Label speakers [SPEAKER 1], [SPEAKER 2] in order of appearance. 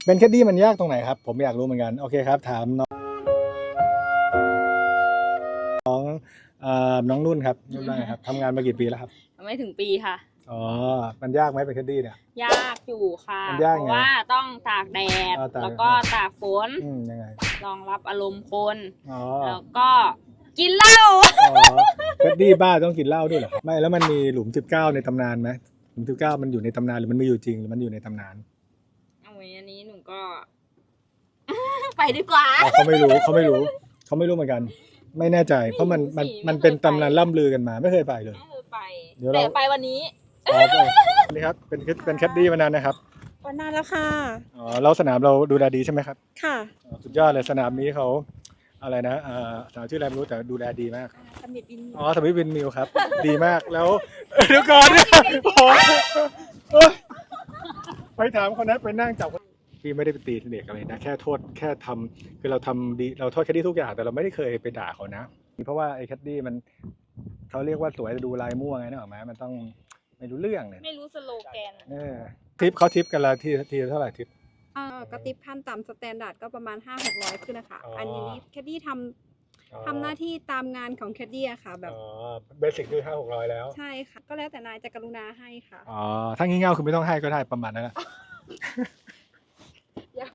[SPEAKER 1] เป็นแคดดี้มันยากตรงไหนครับผมอยากรู้เหมือนกันโอเคครับถามน้องนุ่นครับนุ่นว่าไงครับทำงานมากี่ปีแล้วครับ
[SPEAKER 2] ไม่ถึงปีค่ะ
[SPEAKER 1] อ๋อมันยากไหมเป็นแคดดี้เนี่ย
[SPEAKER 2] ยากอยู่ค่ะ
[SPEAKER 1] มันยาก
[SPEAKER 2] เพ
[SPEAKER 1] ไง
[SPEAKER 2] ราะว่าต้องตากแดดแล้วก็ตากฝน
[SPEAKER 1] ยังไง
[SPEAKER 2] รองรับอารมณ์คน
[SPEAKER 1] อ๋อ
[SPEAKER 2] แล้วก็กินเหล้า
[SPEAKER 1] อ๋อแคดดี้บ้าต้องกินเหล้าด้วยเหรอไม่แล้วมันมีหลุม19ในตำนานไหมหลุม19มันอยู่ในตำนานหรือมันไม่อยู่จริงหรือมันอยู่ในตำนาน
[SPEAKER 2] เอาไว้อันนี้หนูก็ ไปดีกว่า
[SPEAKER 1] เขาไม่รู้เหมือนกันไม่แน่ใจเพราะมันเป็นตำนานล่ำลือกันมาไม่เคยไปเลย
[SPEAKER 2] ไม่เคยไป
[SPEAKER 1] เดี๋ยว
[SPEAKER 2] แต่
[SPEAKER 1] เรา
[SPEAKER 2] ไปวันนี้
[SPEAKER 1] นี่ครับเป็นแคดดี้มานานนะครับ
[SPEAKER 3] วันนานแล้วค่ะ
[SPEAKER 1] อ๋อแล้วสนามเราดูแลดีใช่ไหมครับ
[SPEAKER 3] ค่ะ
[SPEAKER 1] สุดยอดเลยสนามนี้เขาอะไรนะสนามชื่ออะไรไม่รู้แต่ดูแลดีมาก
[SPEAKER 3] สมิธบิน
[SPEAKER 1] อ๋อสมิธวินมิลครับ ดีมากแล้วเดี๋ยวก่อนไปถามคนนั้นไปนั่งจับพี่ไม่ได้ไปตีเด็กอะไรนะแค่โทษแค่ทำคือเราทำดีเราโทษแคดดี้ทุกอย่างแต่เราไม่ได้เคยไปด่าเขานะเพราะว่าไอ้แคดดี้มันเขาเรียกว่าสวยดูลายมั่วไงนึกออกไหมมันต้องไม่รู้เรื่องเลย
[SPEAKER 2] ไม่รู้สโลแกน
[SPEAKER 1] ทิปเขาทิปกันละทีเท่าไหร่ทิป
[SPEAKER 3] กระติบขั้นต่ำสแตนดาร์ดก็ประมาณ 500-600 ขึ้นนะคะอันนี้แคดดี้ทำหน้าที่ตามงานของแคดดี้ค่ะแบบ
[SPEAKER 1] เบสิกคือ500-600แล้ว
[SPEAKER 3] ใช่ค่ะก็แล้วแต่นายจะกรุณาให้ค่ะ
[SPEAKER 1] อ๋อถ้างี่เง่าคือไม่ต้องให้ก็ได้ประมาณนั้นแหละ